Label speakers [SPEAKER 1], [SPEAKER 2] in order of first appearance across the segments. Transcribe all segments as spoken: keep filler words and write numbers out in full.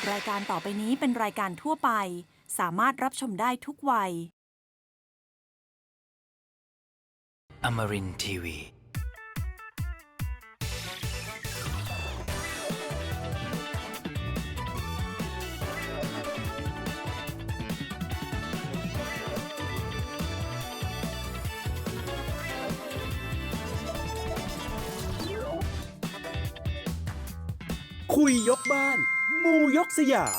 [SPEAKER 1] รายการต่อไปนี้เป็นรายการทั่วไปสามารถรับชมได้ทุกวัย
[SPEAKER 2] Amarin ที วี
[SPEAKER 3] คุยยกบ้านมูยกสยาม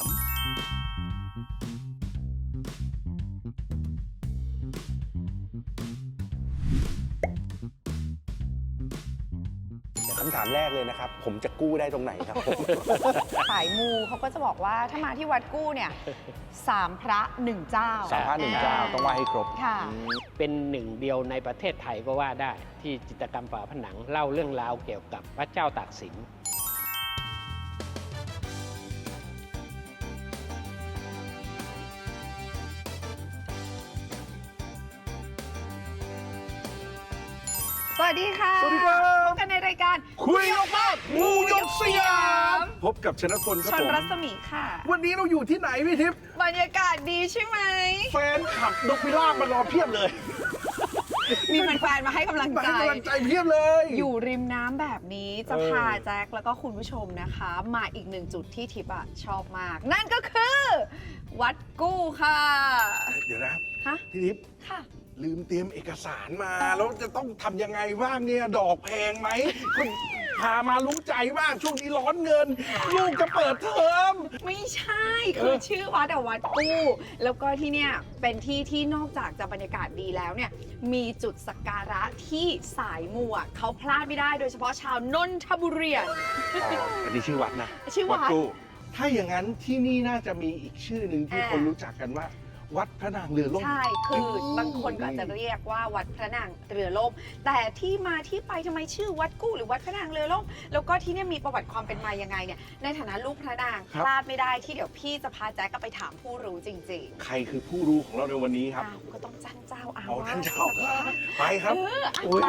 [SPEAKER 3] คำถามแรกเลยนะครับผมจะกู้ได้ตรงไหนครับผม
[SPEAKER 4] สายมูเขาก็จะบอกว่าถ้ามาที่วัดกู้เนี่ยสามพระหนึ่งเจ้า
[SPEAKER 3] สามพระหนึ่งเจ้าต้องไหว้ให้ครบ
[SPEAKER 4] ค่ะ
[SPEAKER 5] เป็นหนึ่งเดียวในประเทศไทยก็ว่าได้ที่จิตรกรรมฝาผนังเล่าเรื่องราวเกี่ยวกับพระเจ้าตากสิน
[SPEAKER 4] สวัสดีค่ะ
[SPEAKER 3] สวัสดีครับ
[SPEAKER 4] พบกันในรายการ
[SPEAKER 3] คุยยกบ้านมูยกสยามพบกับชนะพลครับ
[SPEAKER 4] ชน
[SPEAKER 3] ผม
[SPEAKER 4] รัศมีค่ะ
[SPEAKER 3] วันนี้เราอยู่ที่ไหนพี่ทิพย์
[SPEAKER 4] บรรยากาศดีใช่ไหม
[SPEAKER 3] แฟนขับนกพิราบมารอเพียบเลย
[SPEAKER 4] มีแฟนๆมาให้กำลัง
[SPEAKER 3] มา
[SPEAKER 4] ใจ
[SPEAKER 3] ให้กำลังใจเพียบเลย
[SPEAKER 4] อยู่ริมน้ำแบบนี้จะ
[SPEAKER 3] เออ
[SPEAKER 4] พาแจ็คแล้วก็คุณผู้ชมนะคะ มาอีกหนึ่งจุดที่ทิพย์อะชอบมาก นั่นก็คือ วัดกู้ค่ะ
[SPEAKER 3] เดี๋ยวนะ
[SPEAKER 4] ฮะ
[SPEAKER 3] พี่ทิพย์
[SPEAKER 4] ค่ะ
[SPEAKER 3] ลืมเตรียมเอกสารมาแล้วจะต้องทำยังไงบ้างเนี่ยดอกแพงไหมคุณพามารู้ใจมากช่วงนี้ร้อนเงิน ลูกจะเปิดเทอม
[SPEAKER 4] ไม่ใช่คือชื่อวัดอะวัดกู้แล้วก็ที่เนี่ยเป็นที่ที่นอกจากจะบรรยากาศดีแล้วเนี่ยมีจุดสักการะที่สายมูอะเขาพลาดไม่ได้โดยเฉพาะชาวนนทบุรี
[SPEAKER 3] อ๋ออันนี้ชื่อวัดนะ
[SPEAKER 4] ชื่อวัด
[SPEAKER 3] กู้ถ้าอย่างนั้นที่นี่น่าจะมีอีกชื่อหนึ่งที่
[SPEAKER 4] อ่า
[SPEAKER 3] คนรู้จักกันว่า วัดพระนางเรือล่ม
[SPEAKER 4] ใช่คือบางคนก็อาจจะเรียกว่าวัดพระนางเรือล่มแต่ที่มาที่ไปทำไมชื่อวัดกู้หรือวัดพระนางเรือล่มแล้วก็ที่เนี่ยมีประวัติความเป็นมายังไงเนี่ยในฐานะลูกพระนางพลาดไม่ได้ที่เดี๋ยวพี่จะพาแจ๊กไปถามผู้รู้จริงๆ
[SPEAKER 3] ใครคือผู้รู้ของเราในวันนี้ครับ
[SPEAKER 4] อ้าวก็ต้องจ้างเจ้าอา
[SPEAKER 3] เอา
[SPEAKER 4] วา
[SPEAKER 3] ท่าน
[SPEAKER 4] ส
[SPEAKER 3] เจ้าไปครับ
[SPEAKER 4] เอออ่ะ
[SPEAKER 3] โอ้ย
[SPEAKER 4] ไป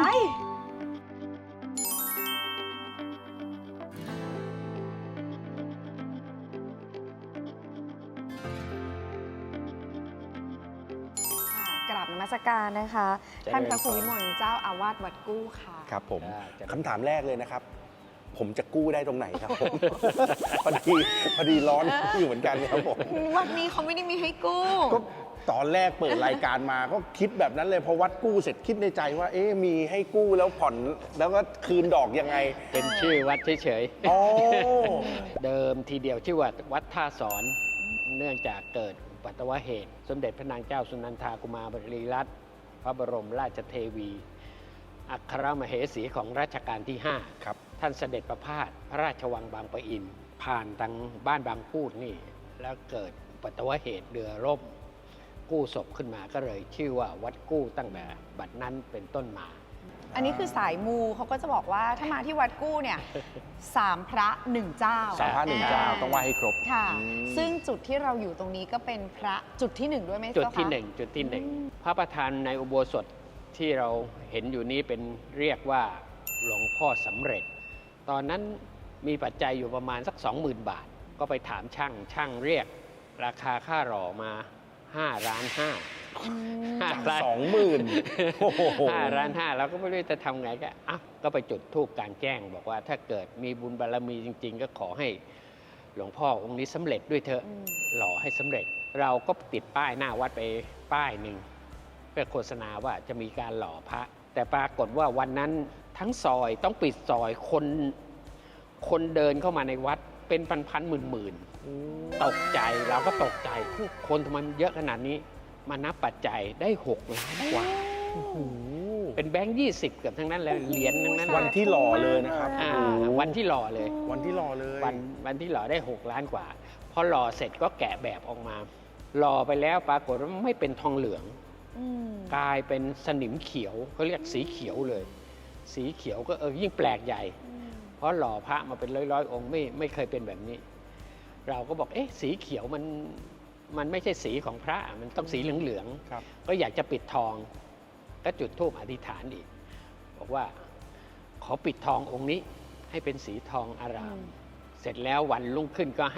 [SPEAKER 4] กราบนมัสการนะคะ
[SPEAKER 5] เจริญ
[SPEAKER 4] ท่านพระครูวิมลเจ้าอาวาสวัดกู้ค่ะ
[SPEAKER 3] ครับผม
[SPEAKER 5] อ่าจะ
[SPEAKER 3] คำถามแรกเลยนะครับ ผมจะกู้ได้ตรงไหนครับผม พอดีพอดีร้อนอยู่เหมือนกันครับผม
[SPEAKER 4] วันนี้เขาไม่ได้มีให้กู้
[SPEAKER 3] ก็ตอนแรกเปิดรายการมาก็คิดแบบนั้นเลยพอวัดกู้เสร็จคิดในใจว่า เอ๊ะมีให้กู้แล้วผ่อนแล้วก็คืนดอกยังไง
[SPEAKER 5] เป็นชื่อวัดเฉย
[SPEAKER 3] อ๋อ
[SPEAKER 5] ๆ เดิมทีเดียวชื่อว่าวัดท่าสอน เนื่องจากเกิดอุบัติเหตุ สมเด็จพระนางเจ้าสุนันทากุมารีรัตน์พระบรมราชเทวี อัครมเหสีของรัชกาลที่ ห้า
[SPEAKER 3] ครับ
[SPEAKER 5] ท่านเสด็จประพาสพระราชวังบางปะอิน ผ่านทางบ้านบางพูดนี่ แล้วเกิดอุบัติเหตุเรือร่ม กู้ศพขึ้นมาก็เลยชื่อว่าวัดกู้ตั้งแต่บัดนั้นเป็นต้นมา
[SPEAKER 4] อันนี้คือสายมูเขาก็จะบอกว่าถ้ามาที่วัดกู้เนี่ยสามพระหนึ่งเจ้า
[SPEAKER 3] สามพระหนึ่งเจ้าต้องไหว้ให้ครบ
[SPEAKER 4] ค่ะ
[SPEAKER 3] อืม
[SPEAKER 4] ซึ่งจุดที่เราอยู่ตรงนี้ก็เป็นพระจุดที่หนึ่งด้วยไหม
[SPEAKER 5] จุด
[SPEAKER 4] เจ้าคะ
[SPEAKER 5] ที่หนึ่งจุดที่หนึ่งพระประธานในอุโบสถที่เราเห็นอยู่นี้เป็นเรียกว่าหลวงพ่อสำเร็จ ตอนนั้นมีปัจจัยอยู่ประมาณสัก สองหมื่น บาท ก็ไปถามช่างช่างเรียก ราคาค่าหล่อมา5ล้านห้า
[SPEAKER 4] อืม
[SPEAKER 5] ห้าล้าน
[SPEAKER 3] สองหมื่นโอ้โห
[SPEAKER 5] ห้าล้านห้าเราก็ไม่รู้จะทำไงก็อ่ะก็ไปจุดธูปกลางแจ้ง บอกว่าถ้าเกิดมีบุญบารมีจริง ๆ ก็ขอให้หลวงพ่อองค์นี้สำเร็จด้วยเถอะ
[SPEAKER 4] อืม
[SPEAKER 5] หล่อให้สำเร็จ เราก็ติดป้ายหน้าวัดไปป้ายหนึ่งเพื่อโฆษณาว่าจะมีการหล่อพระ แต่ปรากฏว่าวันนั้นทั้งซอยต้องปิดซอยคนคนเดินเข้ามาในวัดเป็นพันๆหมื่นๆตกใจเราก็ตกใจคนทำไมมันเยอะขนาดนี้ มานับปัจจัยได้หกล้านกว่า เป็นแบงค์ยี่สิบเกือบทั้งนั้นเลยเหรียญทั้งนั้น
[SPEAKER 3] วันที่หล่อเลยนะครับ
[SPEAKER 5] อ่า
[SPEAKER 3] โอ้โห
[SPEAKER 5] วันที่หล่อเลย
[SPEAKER 3] วันที่หล่อเลย
[SPEAKER 5] วันวันที่หล่อได้หกล้านกว่า พอหล่อเสร็จก็แกะแบบออกมา หล่อไปแล้วปรากฏว่าไม่เป็นทองเหลือง
[SPEAKER 4] อืม
[SPEAKER 5] กลายเป็นสนิมเขียวเขาเรียกสีเขียวเลย สีเขียวก็เออยิ่งแปลกใหญ่ เพราะหล่อพระมาเป็นร้อยๆ องค์ไม่ไม่เคยเป็นแบบนี้ เราก็บอกเอ๊ะสีเขียวมันมันไม่ใช่สีของพระมันต้องสีเหลือง
[SPEAKER 3] ครับ
[SPEAKER 5] ๆก็อยากจะปิดทอง ก็จุดธูปอธิษฐานอีก บอกว่าขอปิดทององค์นี้ให้เป็นสีทองอาราม เสร็จแล้ววันรุ่งขึ้นก็ให้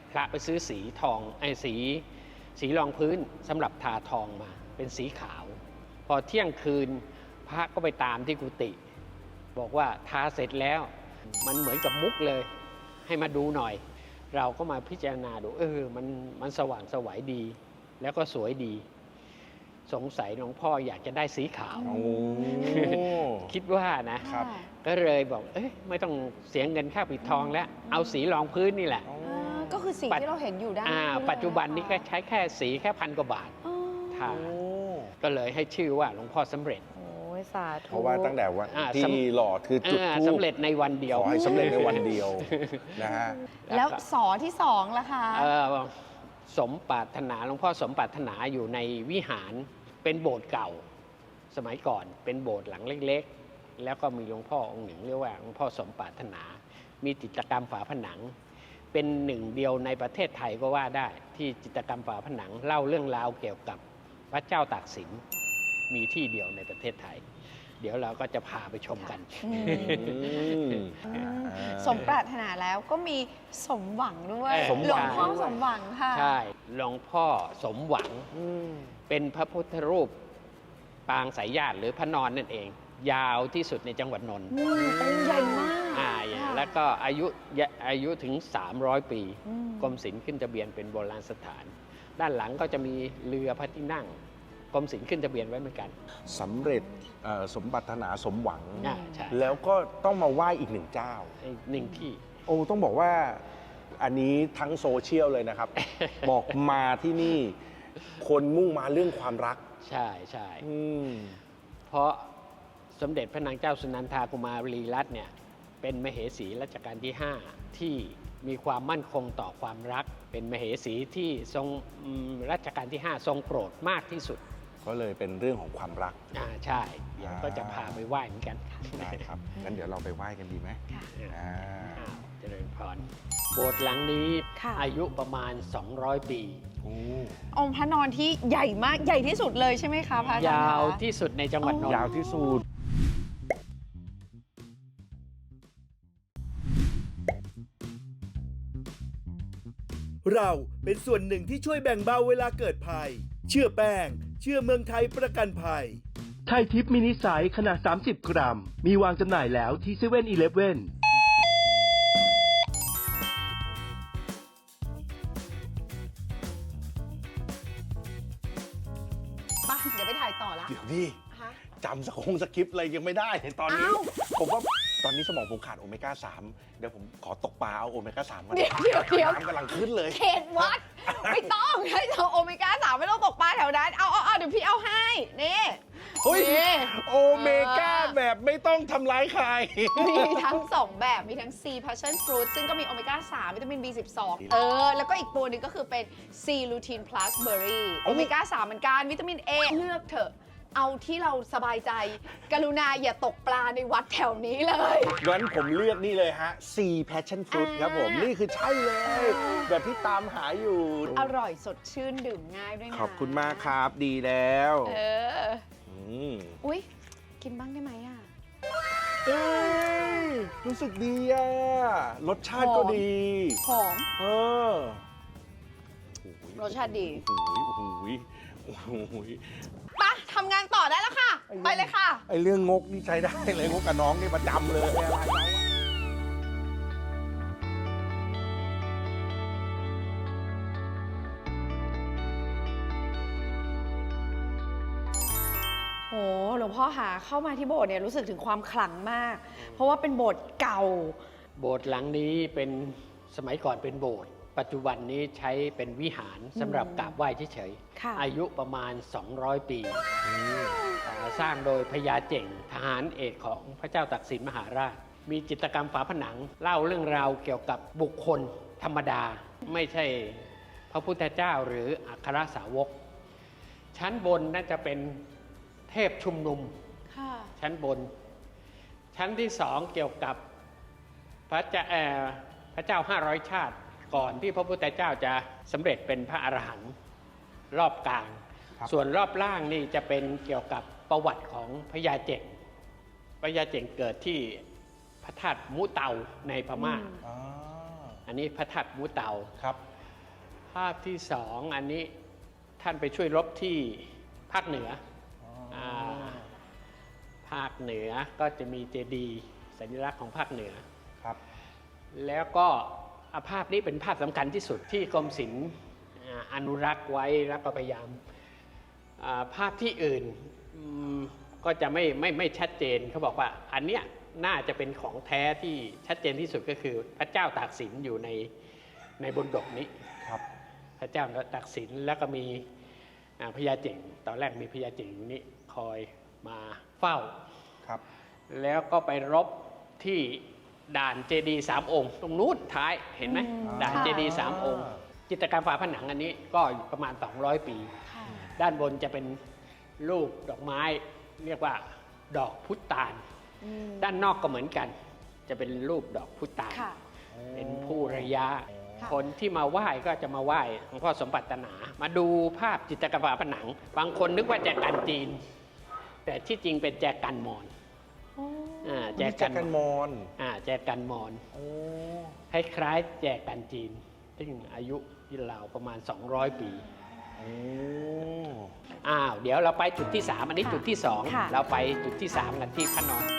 [SPEAKER 5] พระไปซื้อสีทองไอ้สีสีรองพื้นสำหรับทาทองมาเป็นสีขาว พอเที่ยงคืนพระก็ไปตามที่กุฏิบอกว่าทาเสร็จแล้วมันเหมือนกับมุกเลยให้มาดูหน่อย เราก็มาพิจารณาดูเออมันมันสว่างไสวดี แล้วก็สวยดี สงสัยหลวงพ่ออยากจะได้สีขาว
[SPEAKER 3] โอ้
[SPEAKER 5] คิดว่านะ
[SPEAKER 3] ครับ
[SPEAKER 5] ก็เลยบอกเอ้ยไม่ต้องเสียเงินค่าปิดทองแล้ว เอาสีรองพื้นนี่แหละ
[SPEAKER 4] อ่าก็คือสิ่งที่เราเห็นอยู่ด้าน
[SPEAKER 5] อ่า
[SPEAKER 4] นี้เลย
[SPEAKER 5] ปัจจุบันนี้ก็ใช้แค่สีแค่พันกว่าบาท
[SPEAKER 4] อ๋อ
[SPEAKER 5] ทาก็เลยให้ชื่อว่าหลวงพ่อสำเร็จ
[SPEAKER 4] โอ้ยสาธุ
[SPEAKER 3] เพราะว่าตั้งแต่วัน
[SPEAKER 5] อ่า
[SPEAKER 3] ที่
[SPEAKER 5] สำ
[SPEAKER 3] หล่อคือจุด
[SPEAKER 5] อ่า
[SPEAKER 3] ธูป
[SPEAKER 5] สำเร็จในวันเดียว
[SPEAKER 3] ขอให้สำเร็จในวันเดียวนะฮะ
[SPEAKER 4] แล้วสอที่สองล่ะคะ
[SPEAKER 5] เอ่อสมปรารถนาหลวงพ่อสมปรารถนาอยู่ในวิหารเป็นโบสถ์เก่า สมัยก่อนเป็นโบสถ์หลังเล็กๆ แล้วก็มีหลวงพ่อองค์หนึ่งเรียกว่าหลวงพ่อสมปรารถนา มีจิตรกรรมฝาผนัง เป็นหนึ่งเดียวในประเทศไทยก็ว่าได้ ที่จิตรกรรมฝาผนังเล่าเรื่องราวเกี่ยวกับพระเจ้าตากสินมีที่เดียวในประเทศไทย เดี๋ยวเราก็จะพาไปชมกัน
[SPEAKER 4] อืม
[SPEAKER 3] อืม
[SPEAKER 4] อืมสมปรารถนาแล้วก็มีสมหวังด้วย
[SPEAKER 5] เออ
[SPEAKER 4] หลวงพ่อ
[SPEAKER 3] สมหวัง
[SPEAKER 4] สมหวังค่ะ
[SPEAKER 5] ใช่หลวงพ่อสมหวัง เป็นพระพุทธรูปปางสายญาติหรือพระนอนนั่นเอง ยาวที่สุดในจังหวัดนนท์
[SPEAKER 4] อืมองค์ใหญ่มาก
[SPEAKER 5] อ่า
[SPEAKER 4] ค่ะ
[SPEAKER 5] แล้วก็อายุอายุถึง สามร้อย ปี
[SPEAKER 4] อืม
[SPEAKER 5] กรมศิลป์ขึ้นทะเบียนเป็นโบราณสถาน ด้านหลังก็จะมีเรือพระที่นั่งกรมศิลป์ขึ้นทะเบียนไว้เหมือนกัน
[SPEAKER 3] สำเร็จเอ่อสมปรารถนาสมหวัง
[SPEAKER 5] อ่าใช่
[SPEAKER 3] แล้วก็ต้องมาไหว้อีกหนึ่งเจ้า
[SPEAKER 5] อีกหนึ่งที่
[SPEAKER 3] โอ้ต้องบอกว่าอันนี้ทั้งโซเชียลเลยนะครับ บอกมาที่นี่คนมุ่งมาเรื่องความรัก
[SPEAKER 5] ใช่ใช่
[SPEAKER 3] อืม
[SPEAKER 5] เพราะสมเด็จพระนางเจ้าสุนันทากุมารีรัตน์เนี่ยเป็นมเหสีรัชกาลที่ ห้า ที่มีความมั่นคงต่อความรัก เป็นมเหสีที่ทรงอืมรัชกาลที่ ห้า ทรงโปรดมากที่สุด
[SPEAKER 3] ก็เลยเป็นเรื่องของความรัก
[SPEAKER 5] อ่าใช่เดี๋ยวก็จะพาไปไหว้เหมือนกัน
[SPEAKER 3] ได้ครับงั้นเดี๋ยวเราไปไหว้กันดีไหม
[SPEAKER 4] ค่ะ
[SPEAKER 3] อ่า
[SPEAKER 5] อ้าวเจริญพรโบสถ์หลังนี้
[SPEAKER 4] ค่ะ
[SPEAKER 5] อายุประมาณ สองร้อย ปี
[SPEAKER 3] โอ้
[SPEAKER 4] องค์พระนอนที่ใหญ่มากใหญ่ที่สุดเลยใช่ไหมคะพระอาจารย์
[SPEAKER 5] ยาว
[SPEAKER 4] คะ
[SPEAKER 5] ที่สุดในจังหวัดนนท์
[SPEAKER 3] ยาวที่สุด
[SPEAKER 6] เราเป็นส่วนหนึ่งที่ช่วยแบ่งเบาเวลาเกิดภัย เชื่อแป้ง เชื่อเมืองไทยประกันภัย ไทยทิปมินิไซส์ขนาด สามสิบ กรัม มีวางจำหน่ายแล้วที่เซเว่นอีเลฟเว่น
[SPEAKER 4] ไปเดี๋ยวไปถ่ายต่อละ
[SPEAKER 3] เดี๋ยวดิ
[SPEAKER 4] ฮะ
[SPEAKER 3] จำสคงสคริปต์อะไรยังไม่ได้ในตอนนี้
[SPEAKER 4] อ้าว
[SPEAKER 3] ผมว่าตอนนี้สมองผมขาดโอเมก้าสามเดี๋ยวผมขอตกปลาเอาโอเมก้าสามมา
[SPEAKER 4] เดี๋ยวเดี๋ยวเดี๋ยว
[SPEAKER 3] น้ำกำลังขึ้นเลย
[SPEAKER 4] เขตวัด ไม่ต้องให้เธอโอเมก้าสามไม่ต้องตกปลาแถวนั้นเอาเอาเอาเดี๋ยวพี่เอาให้นี่
[SPEAKER 3] เฮ้ย
[SPEAKER 4] นี่
[SPEAKER 3] โอเมก้าแบบไม่ต้องทำร้ายใคร
[SPEAKER 4] มีทั้ง สอง แบบ มีทั้ง C passion fruit ซึ่งก็มีโอเมก้าสามวิตามิน บี สิบสอง เออ แล้วก็อีกตัวหนึ่งก็คือเป็น C lutein plus berry โอเมก้าสามเหมือนกัน วิตามิน A เลือกเถอะ เอาที่เราสบายใจ กรุณาอย่าตกปลาในวัดแถวนี้เลย
[SPEAKER 3] งั้นผมเลือกนี่เลยฮะ C passion fruit ครับผม นี่คือใช่เลย แบบที่ตามหาอยู่
[SPEAKER 4] อร่อยสดชื่นดื่มง่ายด้วยนะ
[SPEAKER 3] ขอบคุณมากครับ ดีแล้ว
[SPEAKER 4] เออ
[SPEAKER 3] ม
[SPEAKER 4] อุ๊ย กินบ้างได้ไหมอ่ะ
[SPEAKER 3] เอ้ยรู้สึกดีอ่ะ รสชาติก็ดี
[SPEAKER 4] หอม
[SPEAKER 3] เออ
[SPEAKER 4] รสชาติดี
[SPEAKER 3] โอ้โหโอ้โหโอ้โห
[SPEAKER 4] ไปะทำงานต่อได้แล้วค่ะ ไปเลยค่ะ
[SPEAKER 3] ไอเรื่องงกนี่ใช้ได้เลยงกกับน้องนี่ประจำเลยอะไรเราอะ
[SPEAKER 4] โหหลวงพ่อหาเข้ามาที่โบสถ์เนี่ยรู้สึกถึงความขลังมาก เพราะว่าเป็นโบสถ์เก่า
[SPEAKER 5] โบสถ์หลังนี้เป็นสมัยก่อนเป็นโบสถ์ปัจจุบันนี้ใช้เป็นวิหารสำหรับกราบไหว้เฉย
[SPEAKER 4] ค่ะ
[SPEAKER 5] ๆอายุประมาณ สองร้อย ปีอ่าสร้างโดยพญาเจ่งทหารเอกของพระเจ้าตากสินมหาราช มีจิตรกรรมฝาผนังเล่าเรื่องราวเกี่ยวกับบุคคลธรรมดา ไม่ใช่พระพุทธเจ้าหรืออัครสาวก ชั้นบนน่าจะเป็นเทพชุมนุม
[SPEAKER 4] ค่ะ
[SPEAKER 5] ชั้นบน ชั้นที่สองเกี่ยวกับพระเจ้าเอ่อพระเจ้าห้าร้อยชาติ ก่อนที่พระพุทธเจ้าจะสำเร็จเป็นพระอรหันต์รอบกลาง
[SPEAKER 3] ครับ
[SPEAKER 5] ส่วนรอบล่างนี่จะเป็นเกี่ยวกับประวัติของพญาเจ่งพญาเจ่งเกิดที่พระธาตุมุเตาในพม่า
[SPEAKER 3] อ่า
[SPEAKER 5] อันนี้พระธาตุมุเตา
[SPEAKER 3] ครับ
[SPEAKER 5] าพที่สองอันนี้ท่านไปช่วยรบที่ภาคเหนืออภาคเหนือก็จะมีเจดีย์สัญลักษณ์ของภาคเหนือ
[SPEAKER 3] ครับ
[SPEAKER 5] แล้วก็อ่ะภาพนี้เป็นภาพสำคัญที่สุดที่กรมศิลป์อ่าอนุรักษ์ไว้แล้วก็พยายามอ่าภาพที่อื่นอืมก็จะไม่ไม่ไม่ชัดเจนเขาบอกว่าอันเนี้ยน่าจะเป็นของแท้ที่ชัดเจนที่สุดก็คือพระเจ้าตากสินอยู่ในในบนดกนี้
[SPEAKER 3] ครับ
[SPEAKER 5] พระเจ้าตากสินแล้วก็มีอ่าพญาเจ๋งตอนแรกมีพญาเจ๋งอยู่นี่คอยมาเฝ้า
[SPEAKER 3] ครับ
[SPEAKER 5] แล้วก็ไปรบที่ด่านเจดีย์สามองค์ ตรงนู้นท้ายเห็นไหม
[SPEAKER 4] อืม
[SPEAKER 5] ด่าน
[SPEAKER 4] ค่ะ
[SPEAKER 5] เจดีย์สามองค์ จิตรกรรมฝาผนังอันนี้ก็ประมาณ สองร้อย ปี
[SPEAKER 4] ค่ะ
[SPEAKER 5] ด้านบนจะเป็นรูปดอกไม้เรียกว่าดอกพุตาน
[SPEAKER 4] อืม
[SPEAKER 5] ด้านนอกก็เหมือนกัน จะเป็นรูปดอกพุตาน
[SPEAKER 4] ค่ะ
[SPEAKER 5] เป็นผู้ระยะ
[SPEAKER 4] ค่ะ
[SPEAKER 5] คนที่มาไหว้ก็จะมาไหว้หลวงพ่อสมบัตินา มาดูภาพจิตรกรรมฝาผนัง บางคนนึกว่าแจกันจีน แต่ที่จริงเป็นแจกันมอญ
[SPEAKER 4] โอ้
[SPEAKER 5] อ่าแจ
[SPEAKER 3] แจ
[SPEAKER 5] กัน
[SPEAKER 3] กันมอน
[SPEAKER 5] อ่าแจกันมอญ
[SPEAKER 3] โอ้
[SPEAKER 5] คล้ายๆแจกันจีน ซึ่งอายุที่ราวประมาณ สองร้อย ปี
[SPEAKER 3] โอ้
[SPEAKER 5] อ้าว เดี๋ยวเราไปจุดที่ สาม อันนี้
[SPEAKER 4] ค่ะ
[SPEAKER 5] จุดที่ สอง
[SPEAKER 4] ค่ะ
[SPEAKER 5] เราไปจุดที่ สาม กันที่พระนอน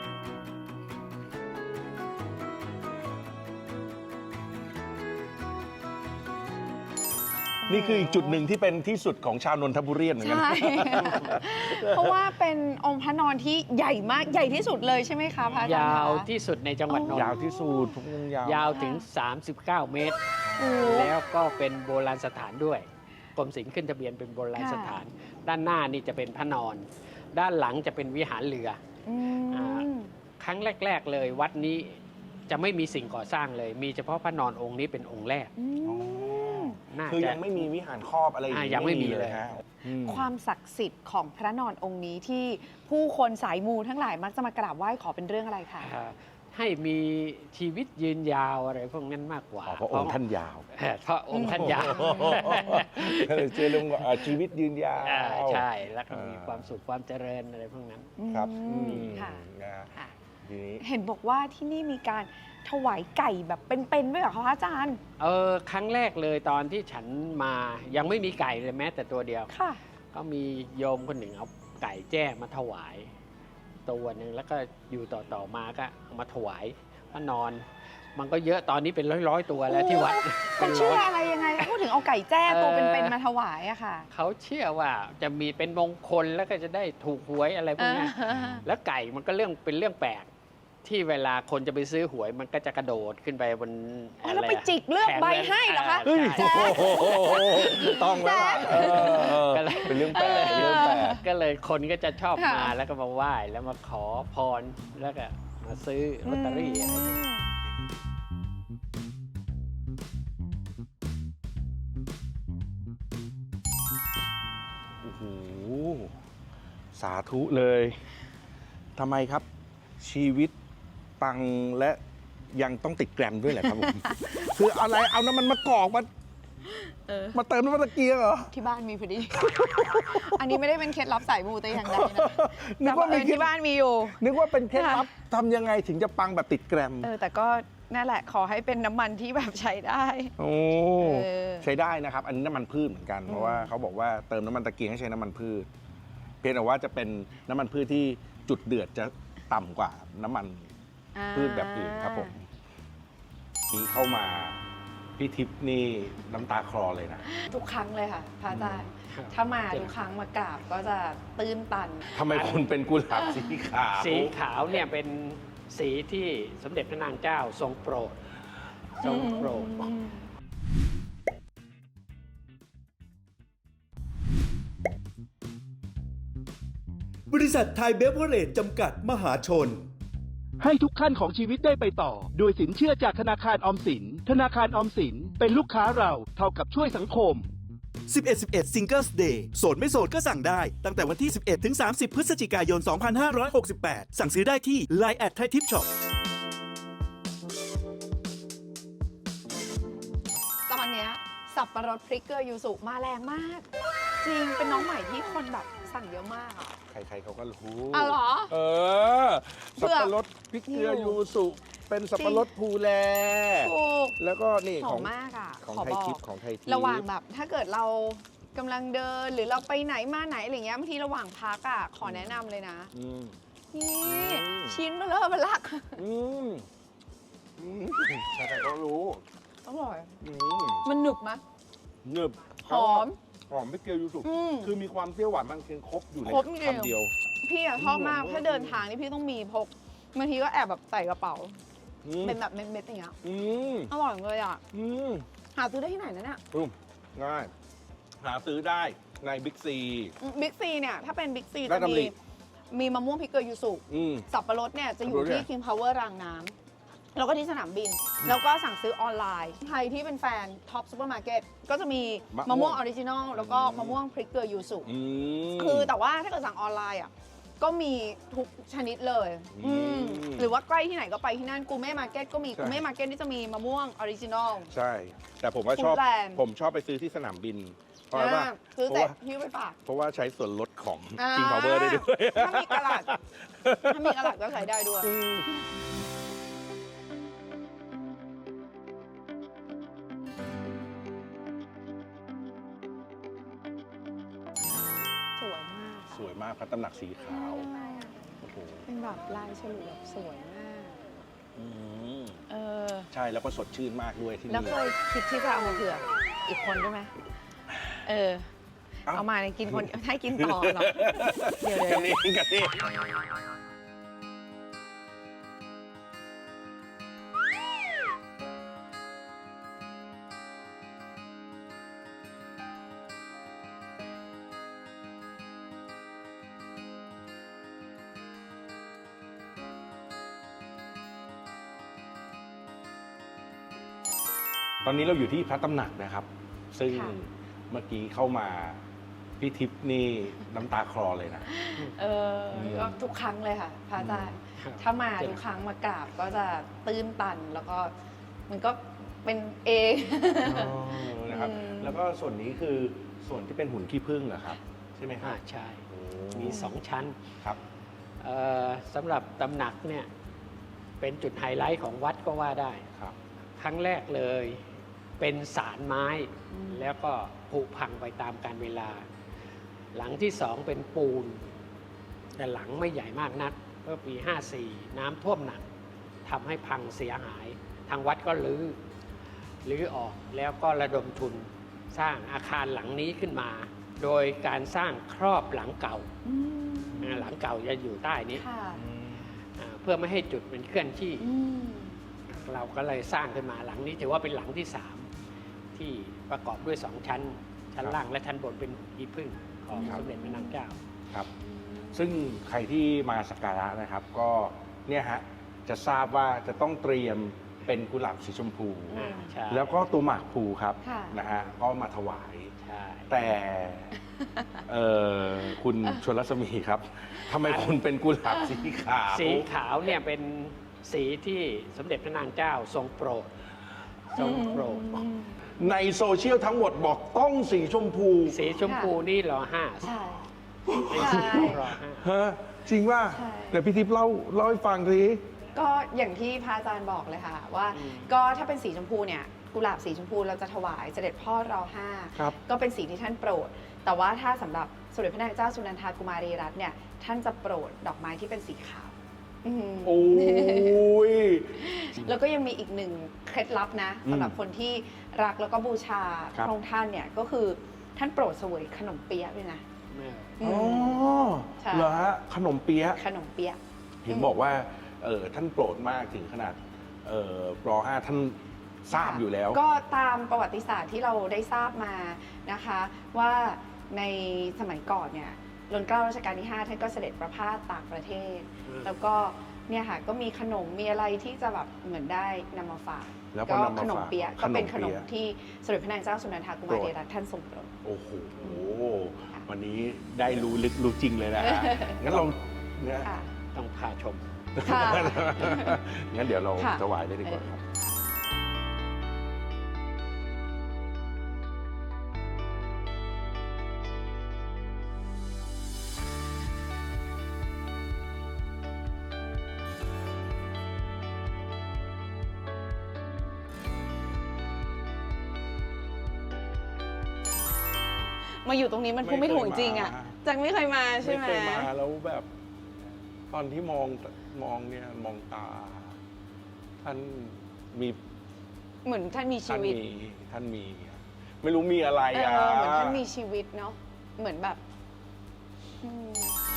[SPEAKER 3] นี่คืออีกจุดหนึ่งที่เป็นที่สุดของชาวนนทบุรีเหมือนกัน
[SPEAKER 4] ใช่ เพราะว่าเป็นองค์พระนอนที่ใหญ่มากใหญ่ที่สุดเลยใช่ไหมคะพระอาจารย์
[SPEAKER 5] ยาว
[SPEAKER 4] คะ
[SPEAKER 5] ที่สุดในจังหวัดนน
[SPEAKER 3] ยาว
[SPEAKER 5] ท์
[SPEAKER 3] ที่สุดพวกมึงยาว
[SPEAKER 5] ยาวถึง สามสิบเก้า เมตร
[SPEAKER 4] โอ้
[SPEAKER 5] แล้วก็เป็นโบราณสถานด้วยกรมศิลป์ขึ้นทะเบียนเป็นโบราณสถาน ด้านหน้านี่จะเป็นพระนอน ด้านหลังจะเป็นวิหารเรือ
[SPEAKER 4] อื
[SPEAKER 5] อ่า
[SPEAKER 4] ม
[SPEAKER 5] ครั้งแรก ๆ เลยวัดนี้จะไม่มีสิ่งก่อสร้างเลย มีเฉพาะพระนอนองค์นี้เป็นองค์แรก
[SPEAKER 4] อืม
[SPEAKER 5] น่า
[SPEAKER 3] คือ
[SPEAKER 5] จะ
[SPEAKER 3] ยังไม่มีวิหารครอบอะไรอย่าง
[SPEAKER 5] อ่า
[SPEAKER 3] นี้
[SPEAKER 5] ยังไม่มีเลย
[SPEAKER 3] ฮะอืม
[SPEAKER 4] ความศักดิ์สิทธิ์ของพระนอนองค์นี้ที่ผู้คนสายมูทั้งหลายมักจะมากราบไหว้ขอเป็นเรื่องอะไรคะ
[SPEAKER 5] อ่าให้มีชีวิตยืนยาวอะไรพวกนั้นมากกว่า
[SPEAKER 3] อ๋อเพราะองค์ท่านยาว
[SPEAKER 5] เออเพราะองค์ท่านยาว
[SPEAKER 3] ก็เลยเชื่อเรื่องว่าอ่าชีวิตยืนยาว
[SPEAKER 5] อ่าใช่แล้วก็มี
[SPEAKER 3] อ่า
[SPEAKER 5] ความสุขความเจริญอะไรพวกนั้น
[SPEAKER 3] ครับ
[SPEAKER 4] อืม
[SPEAKER 3] อืม
[SPEAKER 4] ค่ะ
[SPEAKER 3] นะฮะ
[SPEAKER 4] ค่ะ
[SPEAKER 3] ทีนี้
[SPEAKER 4] เห็นบอกว่าที่นี่มีการถวายไก่แบบเป็นๆด้วยเหรอคะพระอาจารย์
[SPEAKER 5] เออครั้งแรกเลยตอนที่ฉันมายังไม่มีไก่เลยแม้แต่ตัวเดียว
[SPEAKER 4] ค่ะ
[SPEAKER 5] ก็มีโยมคนหนึ่งเอาไก่แจ้มาถวายตัวหนึ่งแล้วก็อยู่ต่อต่อๆมาก็เอามาถวายพระนอน มันก็เยอะตอนนี้เป็นร้อยร้อยๆตัวแล้วที่วัด
[SPEAKER 4] มัน
[SPEAKER 5] ร้
[SPEAKER 4] เชื่
[SPEAKER 5] อ
[SPEAKER 4] อย อะไรยังไงคะพูดถึงเอาไก่แจ้ตัว
[SPEAKER 5] เอ่อ
[SPEAKER 4] เป็นๆมาถวายอะค่ะ
[SPEAKER 5] เขาเชื่อว่าจะมีเป็นมงคลแล้วก็จะได้ถูกหวยอะไรพวกเนี้ย
[SPEAKER 4] อ่า
[SPEAKER 5] แล้วไก่มันก็เรื่องเป็นเรื่องแปลกที่เวลาคนจะไปซื้อหวยมันก็จะกระโดดขึ้นไปบน
[SPEAKER 4] อ๋อ
[SPEAKER 5] อะ
[SPEAKER 4] แล้ว
[SPEAKER 5] ไร
[SPEAKER 4] ไป
[SPEAKER 5] อะ
[SPEAKER 4] จิกเลือก
[SPEAKER 5] แผง
[SPEAKER 4] ใบให้เหรอคะ
[SPEAKER 5] า
[SPEAKER 3] เฮ้ย
[SPEAKER 5] ใช่
[SPEAKER 3] โอ้โหต้องแล้วล่ะเออเออ
[SPEAKER 5] ก็เลย
[SPEAKER 3] เป็นเรื่องแปลกเป็นเรื่องแปลก
[SPEAKER 5] ก็เลยคนก็จะชอบ
[SPEAKER 4] ค่ะ
[SPEAKER 5] มาแล้วก็มาไหว้แล้วมาขอพรแล้วก็มาซื้อลอตเตอรี่อะไรพวกนี้
[SPEAKER 3] โอ้โห สาธุเลยทำไมครับ ชีวิตปังและยังต้องติดแกรมด้วยแหละครับผม คืออะไรเอาน้ำมันมะกอกมา
[SPEAKER 4] เออ
[SPEAKER 3] มาเติมน้ำมันตะเกียงเหรอ
[SPEAKER 4] ที่บ้านมีพอดี อันนี้ไม่ได้เป็นเคล็ดลับสายมูแต่อย่างใดนะ
[SPEAKER 3] นึกว่า
[SPEAKER 4] แต่
[SPEAKER 3] มี
[SPEAKER 4] เผอิญ
[SPEAKER 3] เคล็ด
[SPEAKER 4] ที่บ้านมีอยู่
[SPEAKER 3] นึกว่าเป็นเคล็ด
[SPEAKER 4] ค่ะ
[SPEAKER 3] ลับทำยังไงถึงจะปังแบบติดแกรม
[SPEAKER 4] เออแต่ก็นั่นแหละขอให้เป็นน้ำมันที่แบบใช้ได้
[SPEAKER 3] โอ้
[SPEAKER 4] เออ
[SPEAKER 3] ใช้ได้นะครับ อันนี้น้ำมันพืชเหมือนกัน เพราะว่าเขาบอกว่าเติมน้ำมันตะเกียงให้ใช้น้ำมันพืช เพียงแต่ว่าจะเป็นน้ำมันพืชที่จุดเดือดจะต่ำกว่าน้ำมัน
[SPEAKER 4] อ่า
[SPEAKER 3] พืชแบบอื่นครับผมนี่เข้ามาพี่ทิพย์นี่น้ำตาคลอเลยนะ
[SPEAKER 4] ทุกครั้งเลยค่ะพระอาจารย์
[SPEAKER 5] ครับ
[SPEAKER 4] ถ้ามาทุกครั้งมากราบก็จะตื้นตัน
[SPEAKER 3] ทำไมคุณเป็นกุหลาบสีขาว
[SPEAKER 5] สีขาวเนี่ยเป็นสีที่สมเด็จพระนางเจ้าทรงโปรดทรงโปรด
[SPEAKER 6] บริษัทไทยเบเวอร์เรจจำกัดมหาชน ให้ทุกขั้นของชีวิตได้ไปต่อ โดยสินเชื่อจากธนาคารออมสิน ธนาคารออมสินเป็นลูกค้าเราเท่ากับช่วยสังคม สิบเอ็ด สิบเอ็ด Singles Day โสดไม่โสดก็สั่งได้ ตั้งแต่วันที่ สิบเอ็ด ถึง สามสิบ พฤศจิกายน สองพันห้าร้อยหกสิบแปด สั่งซื้อได้ที่ ไลน์ แอท ไทยทิปช็อป
[SPEAKER 4] ตอนเนี้ยสับปะรดพริกเกลือยูสุมาแรงมาก จริงเป็นน้องใหม่ที่คนแบบสั่งเยอะมากอ่ะ
[SPEAKER 3] ใครๆเขาก็รู้
[SPEAKER 4] อ๋อเหรอ
[SPEAKER 3] เออ สับปะรดพริกเกลือยูสุเป็นสับปะรดภูแล
[SPEAKER 4] ถูก
[SPEAKER 3] แล้วก็นี่
[SPEAKER 4] ห
[SPEAKER 3] ข
[SPEAKER 4] อ
[SPEAKER 3] อ
[SPEAKER 4] ม
[SPEAKER 3] ง
[SPEAKER 4] มากอ่ะ
[SPEAKER 3] ของ
[SPEAKER 4] ขอ
[SPEAKER 3] ไทย
[SPEAKER 4] บอ
[SPEAKER 3] ทิ
[SPEAKER 4] ก
[SPEAKER 3] พย์ของไทยทิพย์
[SPEAKER 4] ระหว่างแบบถ้าเกิดเรากำลังเดินหรือเราไปไหนมาไหนอะไรเงี้ยบางทีระหว่างพักอ่ะขอแนะนำเลยนะ
[SPEAKER 3] อืม
[SPEAKER 4] นี่
[SPEAKER 3] อืม
[SPEAKER 4] ชิ้นเบลอเบลัก
[SPEAKER 3] อืมอืมใครๆก็รู้
[SPEAKER 4] อร่อย
[SPEAKER 3] อืม
[SPEAKER 4] มันหนึบมะ
[SPEAKER 3] หนึบ
[SPEAKER 4] หอม
[SPEAKER 3] หอมไม่เกลียวยูสุ
[SPEAKER 4] อืม
[SPEAKER 3] คือมีความเปรี้ยวหวานมันคือครบอยู่ใน
[SPEAKER 4] ครบจริง
[SPEAKER 3] คำเดียว
[SPEAKER 4] พี่อะชอบมาก
[SPEAKER 3] อืม
[SPEAKER 4] ถ้าเดินทางนี่พี่ต้องมีพกบางทีก็แอบแบบใส่กระเป๋า
[SPEAKER 3] อืม
[SPEAKER 4] เป็นแบบเม็ดๆอย่างเงี้ย
[SPEAKER 3] อืม
[SPEAKER 4] อร่อยเลยอ่ะ
[SPEAKER 3] อืม
[SPEAKER 4] หาซื้อได้ที่ไหนนะเนี่ย
[SPEAKER 3] อืมง่าย หาซื้อได้ในบิ๊กซี
[SPEAKER 4] บิ๊กซีเนี่ยถ้าเป็นบิ๊กซี
[SPEAKER 3] รา
[SPEAKER 4] จะ
[SPEAKER 3] ชดำริ
[SPEAKER 4] มีมีมะม่วงพริกเกลือยูสุ
[SPEAKER 3] อืม
[SPEAKER 4] สับปะรดเนี่ยจะอยู่
[SPEAKER 3] สับปะรดเนี่
[SPEAKER 4] ที่
[SPEAKER 3] ย
[SPEAKER 4] King Power รางน้ำแล้วก็ที่สนามบิน แล้วก็สั่งซื้อออนไลน์ ใครที่เป็นแฟนท็อปซูเปอร์มาร์เก็ตก็จะมีมะม่วงออริจินอลแล้วก็มะม่วงพริกเกลือยูสุ
[SPEAKER 3] อืม
[SPEAKER 4] คือแต่ว่าถ้าเกิดสั่งออนไลน์อ่ะก็มีทุกชนิดเลย
[SPEAKER 3] อืม
[SPEAKER 4] อืมหรือว่าใกล้ที่ไหนก็ไปที่นั่นกูเม่มาร์เก็ตก็มี
[SPEAKER 3] ใช่
[SPEAKER 4] กูเม่มาร์เก็ตนี่จะมีมะม่วงออริจินอล
[SPEAKER 3] ใช่ แต่ผมว่าชอบ
[SPEAKER 4] Foodland
[SPEAKER 3] ผมชอบไปซื้อที่สนามบิน เพราะว่า
[SPEAKER 4] อ่าซื้อ
[SPEAKER 3] เพ
[SPEAKER 4] เสร็
[SPEAKER 3] ราะ
[SPEAKER 4] จ
[SPEAKER 3] ว่า
[SPEAKER 4] หิ้วไปฝาก
[SPEAKER 3] เพราะว่าใช้ส่วนลดของ
[SPEAKER 4] อ่า
[SPEAKER 3] King Power ได้ด้วย
[SPEAKER 4] ถ้ามีกระดาษ ถ้ามีกระดาษก็ใช้ได้ด้วย
[SPEAKER 3] อืม
[SPEAKER 4] สวยมาก
[SPEAKER 3] สวยมากพระตำหนักสีขาว
[SPEAKER 4] ใช่
[SPEAKER 3] โอ้โห
[SPEAKER 4] เป็นแบบลายฉลุแบบสวยมาก
[SPEAKER 3] อืม
[SPEAKER 4] เออ
[SPEAKER 3] ใช่แล้วก็สดชื่นมากด้วยที่
[SPEAKER 4] แล้ว
[SPEAKER 3] นี่
[SPEAKER 4] เคยคิดที่จะเอามาเผื่ออีกคนด้วยไหมเออ เอามาเนี่ยกินคนให้กินต่อเหรอ เดี๋ยวเดี๋ยว
[SPEAKER 3] กันนี่กันนี่ตอนนี้เราอยู่ที่พระตำหนักนะครับ ซึ่ง
[SPEAKER 4] ค่ะ
[SPEAKER 3] เมื่อกี้เข้ามาพี่ทิพย์นี่น้ำตาคลอเลยนะ
[SPEAKER 4] เออก็ทุกครั้งเลยค่ะพระอาจารย์
[SPEAKER 5] ครับ
[SPEAKER 4] ถ้ามาทุกครั้งมากราบก็จะตื้นตันแล้วก็มันก็เป็นเอง
[SPEAKER 3] นะครับ
[SPEAKER 4] อืม
[SPEAKER 3] แล้วก็ส่วนนี้คือส่วนที่เป็นหุ่นขี้ผึ้งเหรอครับ ใช่ไหมครั
[SPEAKER 5] อ่า
[SPEAKER 3] บ
[SPEAKER 5] ใช่
[SPEAKER 3] โอ้
[SPEAKER 5] มีสองชั้น
[SPEAKER 3] ครับ
[SPEAKER 5] เอ่อสำหรับตำหนักเนี่ยเป็นจุดไฮไลท์ของวัดก็ว่าได้
[SPEAKER 3] ครับ
[SPEAKER 5] ครั้งแรกเลยเป็นสารไม้ แล้วก็ผุพังไปตามกาลเวลา หลังที่สองเป็นปูน แต่หลังไม่ใหญ่มากนักเมื่อปี ห้าสี่ น้ำท่วมหนักทำให้พังเสียหาย ทางวัดก็รื้อรื้อออกแล้วก็ระดมทุนสร้างอาคารหลังนี้ขึ้นมา โดยการสร้างครอบหลังเก่า
[SPEAKER 4] อืม
[SPEAKER 5] อ่าหลังเก่าจะอยู่ใต้นี้
[SPEAKER 4] ค่ะ
[SPEAKER 5] อ่าเพื่อไม่ให้จุดเป็นเคลื่อนที่
[SPEAKER 4] อืม
[SPEAKER 5] เราก็เลยสร้างขึ้นมาหลังนี้ถือว่าเป็นหลังที่สามที่ประกอบด้วยสองชั้น ชั้นล่างและชั้นบนเป็นอีพึ่งของ
[SPEAKER 3] ครับ
[SPEAKER 5] สมเด็จพระนางเจ้า
[SPEAKER 3] ครับ ซึ่งใครที่มาสักการะนะครับ ก็เนี่ยฮะจะทราบว่าจะต้องเตรียมเป็นกุหลาบสีชมพู
[SPEAKER 4] อืม
[SPEAKER 5] ใช่
[SPEAKER 3] แล้วก็ตัวหมากพลูครับ
[SPEAKER 4] ค่ะ
[SPEAKER 3] นะฮะก็มาถวาย
[SPEAKER 5] ใช่
[SPEAKER 3] แต่เอ่อคุณชนรัศมีครับทำไมคุณเป็นกุหลาบสีขาว
[SPEAKER 5] สีขาวเนี่ยเป็นสีที่สมเด็จพระนางเจ้าทรงโปรด ทรงโปรด
[SPEAKER 3] ในโซเชียลทั้งหมดบอกต้องสีชมพู
[SPEAKER 5] สีชมพูนี่รอห้า
[SPEAKER 4] ใช่
[SPEAKER 5] เป็นสี
[SPEAKER 4] ใช่
[SPEAKER 5] รอห้า
[SPEAKER 3] ฮะจริงว่า
[SPEAKER 4] ใช่
[SPEAKER 3] เดี๋ยวพี่ทิพย์เล่าเล่าให้ฟังที
[SPEAKER 4] ก็อย่างที่พระอาจารย์บอกเลยค่ะ ว่าก็ถ้าเป็นสีชมพูเนี่ยกุหลาบสีชมพูเราจะถวายเสด็จพ่อรอห้า
[SPEAKER 3] ครับ
[SPEAKER 4] ก็เป็นสีที่ท่านโปรด แต่ว่าถ้าสำหรับสมเด็จพระนางเจ้าสุนันทากุมารีรัตน์เนี่ยท่านจะโปรดดอกไม้ที่เป็นสีขาวอืม
[SPEAKER 3] โอ้ย
[SPEAKER 4] แล้วก็ยังมีอีกหนึ่งเคล็ดลับนะ
[SPEAKER 3] อืม
[SPEAKER 4] สำหรับคนที่รักแล้วก็บูชา
[SPEAKER 3] ครับ
[SPEAKER 4] พระองค์ท่านเนี่ยก็คือท่านโปรดเสวยขนมเปี๊ยะด้วยนะ
[SPEAKER 3] อ๋อ
[SPEAKER 4] ใช่
[SPEAKER 3] เหรอฮะขนมเปี๊ยะ
[SPEAKER 4] ขนมเปี๊ยะ
[SPEAKER 3] เห็นบอกว่าเออท่านโปรดมากถึงขนาดเออปรห้าท่านทราบอยู่แล้ว
[SPEAKER 4] ก็ตามประวัติศาสตร์ที่เราได้ทราบมานะคะ ว่าในสมัยก่อนเนี่ยรัชกาลรัชกาลที่ ห้า ท่านก็เสด็จประพาสต่างประเทศ
[SPEAKER 5] อืม
[SPEAKER 4] แล้วก็เนี่ยค่ะก็มีขนมมีอะไรที่จะแบบเหมือนได้นำมาฝาก
[SPEAKER 3] แล้วก็นำมาฝาก
[SPEAKER 4] ขนมเปี๊ยะ
[SPEAKER 3] ข
[SPEAKER 4] ก็
[SPEAKER 3] นม
[SPEAKER 4] เป็นขนม
[SPEAKER 3] เปี๊ยะ
[SPEAKER 4] ที่สมเด็จพระนางเจ้าสุนันทากุมารีรัตน์ท่านทรงโปรด
[SPEAKER 3] โอ้โห
[SPEAKER 4] ค่ะ
[SPEAKER 3] วันนี้ได้รู้ลึกรู้จริงเลยนะฮะ งั้นเราเนี่ย
[SPEAKER 4] ค่ะ
[SPEAKER 5] ต้องพาชม
[SPEAKER 4] ค่ะ
[SPEAKER 3] งั้นเดี๋ยวเรา
[SPEAKER 4] ค่ะ
[SPEAKER 3] ถวายได้ดีกว่าครับ
[SPEAKER 4] มาอยู่ตรงนี้มันพูดไม่ถูกจริงๆอ่ะแจ็คไม่เคยมาใช่ไหม
[SPEAKER 3] ไม่เคยมาแล้วแบบ ตอนที่มองมองเนี่ยมองตา ท่านมี
[SPEAKER 4] เหมือนท่านมีชี
[SPEAKER 3] ท่าน
[SPEAKER 4] วิต
[SPEAKER 3] มีท่านมี ไม่รู้มีอะไร
[SPEAKER 4] เอ
[SPEAKER 3] อ่ะ
[SPEAKER 4] อเหมือนท่านมีชีวิตเนาะเหมือนแบบอืม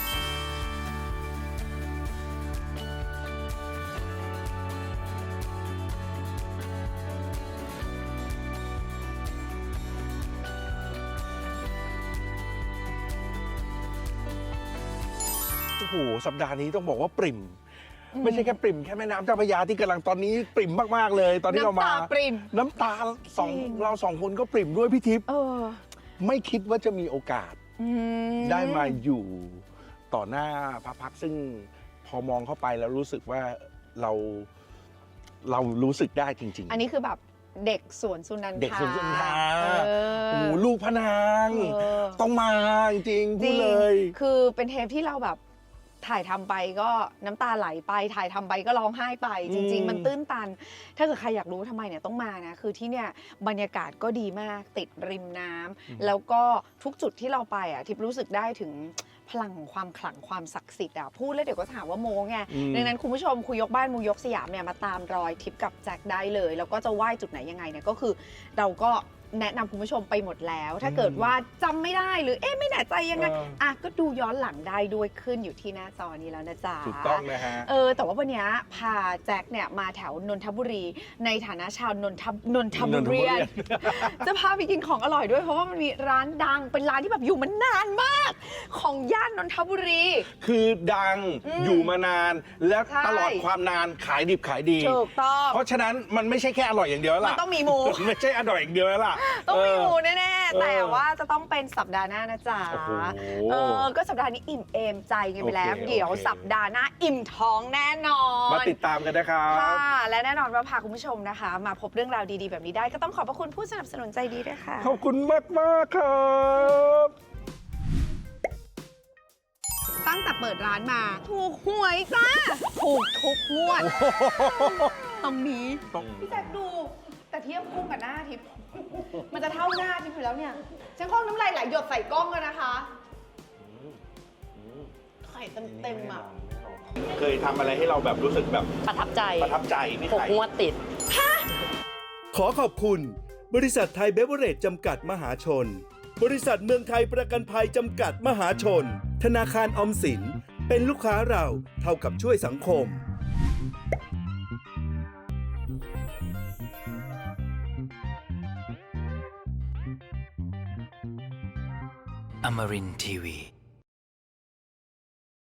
[SPEAKER 3] โอ้โหสัปดาห์นี้ต้องบอกว่าปริ่ม ไม่ใช่แค่ปริ่มแค่แม่น้ำเจ้าพระยาที่กำลังตอนนี้ปริ่มมากๆเลย ตอนที่เรามา
[SPEAKER 4] น้ำตาปริ่ม
[SPEAKER 3] น้ำตาสอง
[SPEAKER 4] จริง
[SPEAKER 3] เราสองคนก็ปริ่มด้วยพี่ทิพย์
[SPEAKER 4] เออ
[SPEAKER 3] ไม่คิดว่าจะมีโอกาส
[SPEAKER 4] อืม
[SPEAKER 3] ได้มาอยู่ต่อหน้าพระพักตร์ซึ่งพอมองเข้าไปแล้วรู้สึกว่าเราเรารู้สึกได้จริง
[SPEAKER 4] อันนี้คือแบบเด็กสวนสุนันทา
[SPEAKER 3] เด็กสวนสุนันทา
[SPEAKER 4] เอ
[SPEAKER 3] ๆ
[SPEAKER 4] อ
[SPEAKER 3] โอ้โหลูกพระนาง
[SPEAKER 4] เออ
[SPEAKER 3] ต้องมาจริงๆพูดเลย
[SPEAKER 4] คือเป็นเทปที่เราแบบถ่ายทำไปก็น้ำตาไหลไป ถ่ายทำไปก็ร้องไห้ไป จริง
[SPEAKER 3] อืม
[SPEAKER 4] ๆ มันตื้นตัน ถ้าเกิดใครอยากรู้ทำไมเนี่ยต้องมานะ คือที่เนี่ยบรรยากาศก็ดีมากติดริมน้ำแล้วก็ทุกจุดที่เราไปอ่ะทิพย์รู้สึกได้ถึงพลังของความขลังความศักดิ์สิทธิ์อ่ะพูดแล้วเดี๋ยวก็ถามว่าโมไง
[SPEAKER 3] อืม
[SPEAKER 4] ดังนั้นคุณผู้ชมคุยยกบ้านมูยกสยามเนี่ยมาตามรอยทิพย์กับแจ็คได้เลย แล้วก็จะไหว้จุดไหนยังไงเนี่ยก็คือเราก็แนะนำคุณผู้ชมไปหมดแล้ว ถ้าเกิดว่าจำไม่ได้หรือเอ๊ะไม่แน่ใจยังไง
[SPEAKER 3] เออ
[SPEAKER 4] อ่ะก็ดูย้อนหลังได้ด้วยขึ้นอยู่ที่หน้าจอนี้แล้วนะจ๊ะ
[SPEAKER 3] ถูกต้องนะฮะ
[SPEAKER 4] เออแต่ว่าวันเนี้ยพาแจ็คเนี่ยมาแถวนนทบุรี ในฐานะชาวนนทบนนทบุรี
[SPEAKER 3] นนทบุรี
[SPEAKER 4] จะพาไปกินของอร่อยด้วยเพราะว่ามันมีร้านดังเป็นร้านที่แบบอยู่มานานมาก ของย่านนนทบุรี
[SPEAKER 3] คือดัง
[SPEAKER 4] อืม
[SPEAKER 3] อยู่มานาน และ
[SPEAKER 4] ใช่
[SPEAKER 3] ตลอดความนานขายดิบขายดี
[SPEAKER 4] ถูกต้อง
[SPEAKER 3] เพราะฉะนั้นมันไม่ใช่แค่อร่อยอย่างเดียวแล้ว
[SPEAKER 4] มัน
[SPEAKER 3] ล่ะ
[SPEAKER 4] ต้องมีหมู
[SPEAKER 3] ไม่ใช่อร่อยอย่างเดียวแล้วล่ะ
[SPEAKER 4] ต้องมีหมู
[SPEAKER 3] เออ
[SPEAKER 4] แน่ๆ
[SPEAKER 3] เออ
[SPEAKER 4] แต่ว่าจะต้องเป็นสัปดาห์หน้านะจ๊ะ
[SPEAKER 3] โอ้โห
[SPEAKER 4] เออ ก็สัปดาห์นี้อิ่มเอมใจกันไปแล้ว
[SPEAKER 3] โอเค
[SPEAKER 4] เดี๋ยว
[SPEAKER 3] โอเค
[SPEAKER 4] สัปดาห์หน้าอิ่มท้องแน่นอน
[SPEAKER 3] มาติดตามกันนะครับ
[SPEAKER 4] ค่ะ และแน่นอนว่าพาคุณผู้ชมนะคะ มาพบเรื่องราวดีๆแบบนี้ได้ก็ต้องขอบพระคุณผู้สนับสนุนใจดีด้วยค่ะ
[SPEAKER 3] ขอบคุณมากมากๆครับ
[SPEAKER 4] ตั้งแต่เปิดร้านมา ถูกหวยจ้า ถูกทุกงวด ตรงนี้ พี่แจ็คดู แต่เทียบคู่กับหน้าทิพย์มันจะเท่าหน้าทิพย์อยู่แล้วเนี่ยฉันคล้องน้ำลายไหลหยดใส่กล้องกันนะคะไข่เต็มๆอ่ะ
[SPEAKER 3] เคยทำอะไรให้เราแบบรู้สึกแบบ
[SPEAKER 7] ประทับใจ
[SPEAKER 3] ประทับใจพี่
[SPEAKER 7] หก
[SPEAKER 3] ไข่
[SPEAKER 7] งวดติด
[SPEAKER 6] ขอขอบคุณ บริษัทไทยเบเวอเรจจำกัดมหาชน บริษัทเมืองไทยประกันภัยจำกัดมหาชน ธนาคารออมสิน เป็นลูกค้าเราเท่ากับช่วยสังคม
[SPEAKER 2] Amarin Tiwi.